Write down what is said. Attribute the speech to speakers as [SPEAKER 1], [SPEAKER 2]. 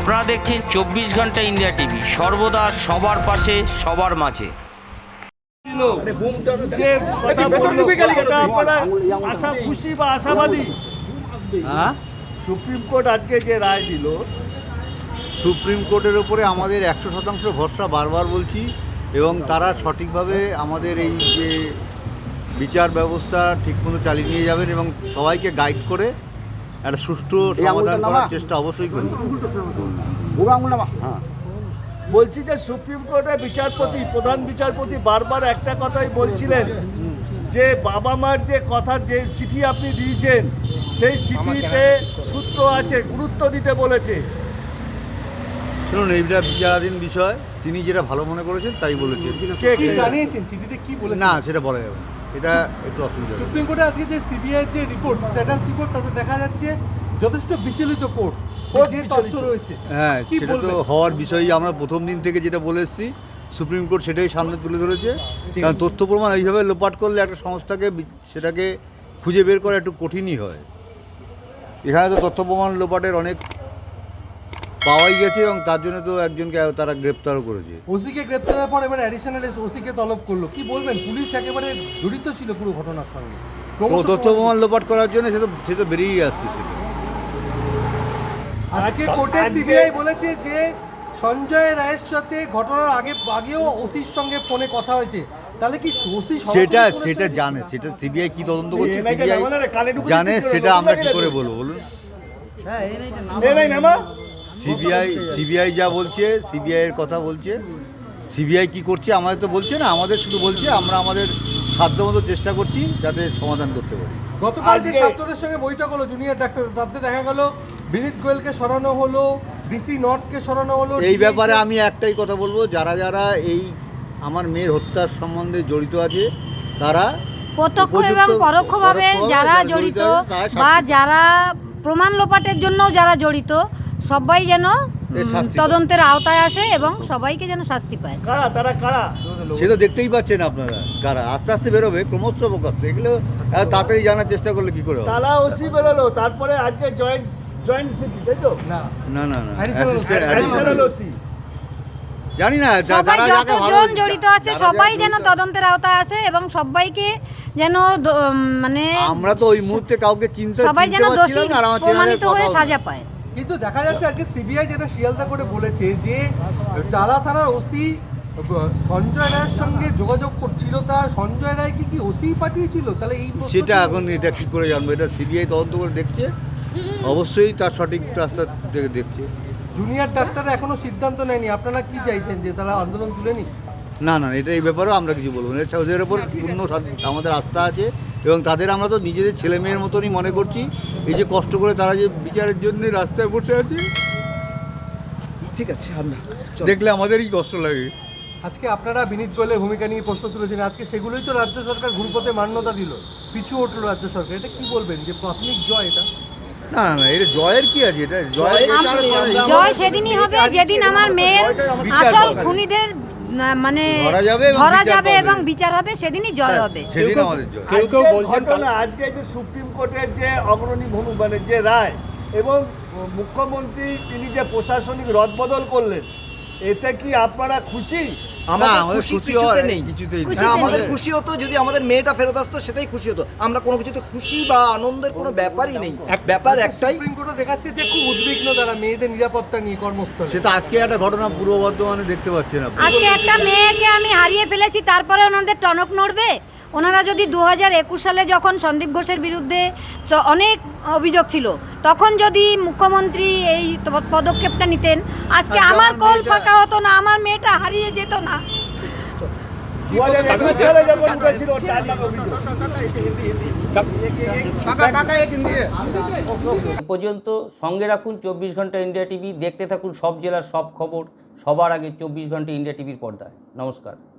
[SPEAKER 1] আপনারা দেখছেন 24 ঘন্টা ইন্ডিয়া টিভি, সর্বদা সবার পাশে সবার মাঝে।
[SPEAKER 2] খুশি বা আশাবাদী সুপ্রিম কোর্ট আজকে যে রায় দিল,
[SPEAKER 3] সুপ্রিম কোর্টের ওপরে আমাদের 100% ভরসা বারবার বলছি, এবং তারা সঠিকভাবে আমাদের এই যে বিচার ব্যবস্থা ঠিকমতো চালিয়ে নিয়ে যাবেন এবং সবাইকে গাইড করে একটা সুষ্ঠু সমাধান করার চেষ্টা অবশ্যই করবেন।
[SPEAKER 2] বলছি যে সুপ্রিম কোর্টের বিচারপতি, প্রধান বিচারপতি বারবার একটা কথাই বলছিলেন যে বাবা মার যে কথার যে চিঠি আপনি দিয়েছেন সেই চিঠিতে সূত্র আছে, গুরুত্ব দিতে বলেছে।
[SPEAKER 3] শুনুন, এইটা বিচারাধীন বিষয়, তিনি যেটা ভালো মনে করেছেন তাই বলেছেন।
[SPEAKER 4] কি জানিয়েছেন চিঠিতে, কি বলেছেন?
[SPEAKER 3] না, সেটা বলা যাবে না, এটা একটু অসুবিধা।
[SPEAKER 4] সুপ্রিম কোর্টে আজকে যে সিবিআই যে রিপোর্ট, স্ট্যাটাস রিপোর্ট, তাতে দেখা যাচ্ছে যথেষ্ট বিচলিত কোর্ট, যে তথ্য রয়েছে।
[SPEAKER 3] হ্যাঁ, সেটা তো হওয়ার বিষয়ই আমরা প্রথম দিন থেকে যেটা বলে এসেছি, সুপ্রিম কোর্ট সেটাই সামনে তুলে ধরেছে। কারণ তথ্য প্রমাণ এইভাবে লোপাট করলে একটা সংস্থাকে সেটাকে খুঁজে বের করা একটু কঠিনই হয়। এখানে তো তথ্য প্রমাণ লোপাটের অনেক পাওয়াই গেছে, এবং তার জন্য তো একজনকে তারা গ্রেপ্তারও করেছে।
[SPEAKER 4] ওসিকে গ্রেপ্তারের পর এবার অ্যাডিশনাল ওসিকে তলব করলো। কি বলবেন, পুলিশ একেবারে জড়িত ছিল পুরো ঘটনার সঙ্গে।
[SPEAKER 3] তথ্য প্রমাণ লোপাট করার জন্য সে তো বেরিয়েই আসতেছিল।
[SPEAKER 4] আজকে কোর্টে সিবিআই বলেছে যে সঞ্জয় রায়ের সাথে ঘটনার আগেও ওসির সঙ্গে ফোনে কথা হয়েছে। তাহলে কি ওসি
[SPEAKER 3] সেটা জানে, সেটা সিবিআই কি তদন্ত করছে সিবিআই জানে, সেটা আমরা কি করে বলবো বলুন? সিবিআই যা বলছে, সিবিআই এর কথা বলছে, সিবিআই কি করছে আমাদের তো বলছে না, আমাদের শুধু বলছে আমরা আমাদের সাধ্যমতো চেষ্টা করছি যাতে সমাধান করতে পারি।
[SPEAKER 4] গতকাল যে ছাত্রদের সঙ্গে বৈঠক হলো জুনিয়র ডাক্তার, তাতে দেখা গেল বিনীত গোয়েলকে সরানো হলো, ডিসি নর্থকে সরানো হলো।
[SPEAKER 3] এই ব্যাপারে আমি একটাই কথা বলবো, যারা যারা এই আমার মেয়ের হত্যার সম্বন্ধে জড়িত আছে, তারা
[SPEAKER 5] প্রত্যক্ষ এবং পরোক্ষভাবে যারা জড়িত বা যারা প্রমাণ লোপাটের জন্য যারা জড়িত, সবাই যেন তদন্তের আওতায় আসে এবং সবাইকে যেন শাস্তি পায়।
[SPEAKER 3] সে তো দেখতেই পাচ্ছেন আপনারা, কারা আস্তে আস্তে বেরোবে, ক্রমশ প্রকাশ। এগুলো তাড়াতাড়ি জানার চেষ্টা করলে কি করে?
[SPEAKER 2] তারা ওসি বেরোলো, তারপরে আজকে জয়েন্ট সিটি, তাই তো?
[SPEAKER 3] না,
[SPEAKER 2] অ্যাডিশনাল ওসি।
[SPEAKER 3] জানি না,
[SPEAKER 5] সবাই যতজন জড়িত আছে সবাই যেন তদন্তের আওতায় আসে এবং সবাইকে যেন মানে
[SPEAKER 3] আমরা তো ওই মুহূর্তে কাউকে চিন্তা
[SPEAKER 5] সবাই যেন দোষী প্রমাণিত হয়ে সাজা পায়।
[SPEAKER 4] কিন্তু দেখা যাচ্ছে আজকে সিবিআই যেটা শিয়ালদা করে বলেছে যে টালা থানার ওসি সঞ্জয় রায়ের সঙ্গে যোগাযোগ করছিল, তার সঞ্জয় রায় কি ওসি পাঠিয়েছিল? তাহলে এই
[SPEAKER 3] সেটা এখন এটা কি করে জানবো? এটা সিবিআই তদন্ত করে দেখছে, অবশ্যই তার সঠিক রাস্তা থেকে দেখছে।
[SPEAKER 4] জুনিয়র ডাক্তাররা এখনো সিদ্ধান্ত নেয়নি, আপনারা কি চাইছেন যে তারা আন্দোলন তুলে নিক?
[SPEAKER 3] না, এটা এই ব্যাপারেও আমরা কিছু বলবো না। ওদের ওপর পূর্ণ আমাদের আস্থা আছে, এবং তাদের আমরা তো নিজেদের ছেলে মেয়ের মতনই মনে করছি। এই যে কষ্ট করে তারা যে বিচারের জন্য রাস্তায় বসে আছে,
[SPEAKER 6] ঠিক আছে, আমরা
[SPEAKER 3] দেখলে আমাদেরই কষ্ট লাগে।
[SPEAKER 4] আজকে আপনারা বিনীত গোয়েলের ভূমিকা নিয়ে প্রশ্ন তুলেছেন, আজকে সেগুলোই তো রাজ্য সরকার ঘুরপথে মান্যতা দিল, পিছু উঠলো রাজ্য সরকার। এটা কি বলবেন যে প্রাথমিক জয় এটা?
[SPEAKER 3] না, এটা জয়ের কি আছে? এটা
[SPEAKER 5] জয় সেদিনই হবে যেদিন আমার মেয়ের আসল খুনিদের মানে ধরা যাবে এবং বিচার হবে, সেদিনই জয় হবে।
[SPEAKER 3] সেদিন আমাদের জয়।
[SPEAKER 2] কেউ বলছেন আজকে যে সুপ্রিম কোর্টের যে অগ্রণী ভূমি মানে যে রায়, এবং মুখ্যমন্ত্রী তিনি যে প্রশাসনিক রদবদল করলেন, এতে কি আপনারা খুশি?
[SPEAKER 6] আমাদের খুশি নেই। আমাদের খুশি হতো যদি আমাদের মেয়েটা ফেরত আসতো, সেটাই খুশি হতো। আমরা কোনো কিছুতে খুশি বা আনন্দের কোনো ব্যাপারই নেই। ব্যাপার একটাই,
[SPEAKER 4] সুপ্রিম কোর্টে দেখাচ্ছে যে খুব উদ্বিগ্ন তারা মেয়েদের নিরাপত্তা নিয়ে কর্মস্থলে।
[SPEAKER 3] সেটা আজকে একটা ঘটনা পূর্ব বর্ধমানে দেখতে পাচ্ছেন আপনি।
[SPEAKER 5] আজকে একটা মেয়েকে আমি হারিয়ে ফেলেছি, তারপরে ওনাদের টনক নড়বে? ওনারা যদি 2021 সালে যখন সন্দীপ ঘোষের বিরুদ্ধে অনেক অভিযোগ ছিল, তখন যদি মুখ্যমন্ত্রী এই পদক্ষেপটা নিতেন, আজকে আমার কল ফাঁকা হতো না, আমার মেয়েটা হারিয়ে যেত না।
[SPEAKER 1] এ পর্যন্ত সঙ্গে রাখুন 24 ঘন্টা ইন্ডিয়া টিভি, দেখতে থাকুন সব জেলার সব খবর সবার আগে 24 ঘন্টা ইন্ডিয়া টিভির পর্দায়। নমস্কার।